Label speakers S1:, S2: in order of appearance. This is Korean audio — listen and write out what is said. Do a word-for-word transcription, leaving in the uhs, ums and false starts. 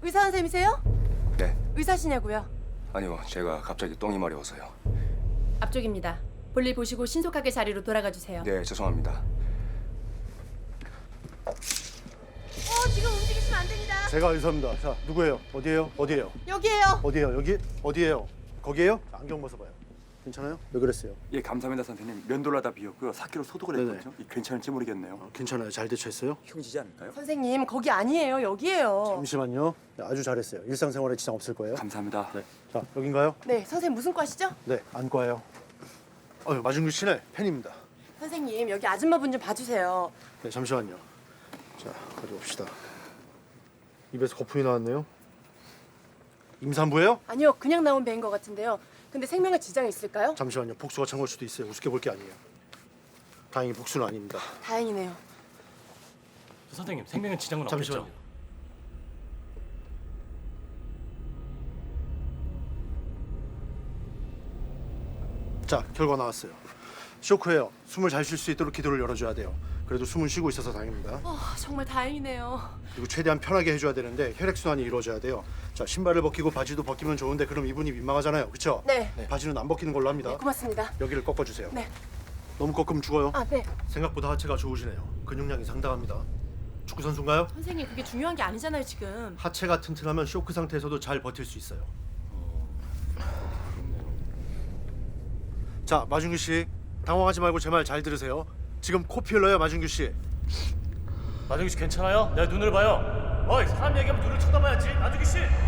S1: 의사 선생님이세요?
S2: 네.
S1: 의사시냐고요?
S2: 아니요, 제가 갑자기 똥이 마려워서요.
S1: 앞쪽입니다. 볼일 보시고 신속하게 자리로 돌아가 주세요.
S2: 네, 죄송합니다.
S1: 어, 지금 움직이시면 안 됩니다.
S3: 제가 의사입니다. 자, 누구예요? 어디예요? 어디예요?
S1: 여기에요.
S3: 어디예요? 여기? 어디예요? 거기에요? 안경 벗어봐요. 괜찮아요? 왜 그랬어요?
S2: 예, 감사합니다 선생님. 면도를 하다 비었고요. 사 킬로 소독을
S3: 네네.
S2: 했거든요. 이 괜찮을지 모르겠네요.
S3: 어, 괜찮아요. 잘 대처했어요?
S2: 흉지지 않을까요?
S1: 선생님, 거기 아니에요. 여기에요.
S3: 잠시만요. 네, 아주 잘했어요. 일상생활에 지장 없을 거예요.
S2: 감사합니다.
S3: 네. 자, 여긴가요?
S1: 네, 선생님 무슨 과시죠?
S3: 네, 안과예요. 어, 마중규 씨네 팬입니다.
S1: 선생님, 여기 아줌마분 좀 봐주세요.
S3: 네, 잠시만요. 자, 가져봅시다. 입에서 거품이 나왔네요. 임산부예요?
S1: 아니요, 그냥 나온 배인 것 같은데요. 근데 생명에 지장이 있을까요?
S3: 잠시만요. 복수가 찬 걸 수도 있어요. 우습게 볼 게 아니에요. 다행히 복수는 아닙니다.
S1: 다행이네요.
S4: 선생님 생명에 지장은
S3: 잠시만요.
S4: 없겠죠?
S3: 자, 결과 나왔어요. 쇼크예요. 숨을 잘 쉴 수 있도록 기도를 열어줘야 돼요. 그래도 숨은 쉬고 있어서 다행입니다.
S1: 어, 정말 다행이네요.
S3: 그리고 최대한 편하게 해줘야 되는데 혈액순환이 이루어져야 돼요. 자, 신발을 벗기고 바지도 벗기면 좋은데 그럼 이분이 민망하잖아요. 그렇죠?
S1: 네.
S3: 바지는 안 벗기는 걸로 합니다.
S1: 네, 고맙습니다.
S3: 여기를 꺾어주세요.
S1: 네.
S3: 너무 꺾으면 죽어요.
S1: 아, 네.
S3: 생각보다 하체가 좋으시네요. 근육량이 상당합니다. 축구 선수인가요?
S1: 선생님, 그게 중요한 게 아니잖아요, 지금.
S3: 하체가 튼튼하면 쇼크 상태에서도 잘 버틸 수 있어요. 자, 마준규 씨, 당황하지 말고 제 말 잘 들으세요. 지금 코피 흘러요, 마준규 씨.
S4: 나중기 씨 괜찮아요? 내 눈을 봐요. 어이 사람 얘기하면 눈을 쳐다봐야지. 나중기 씨.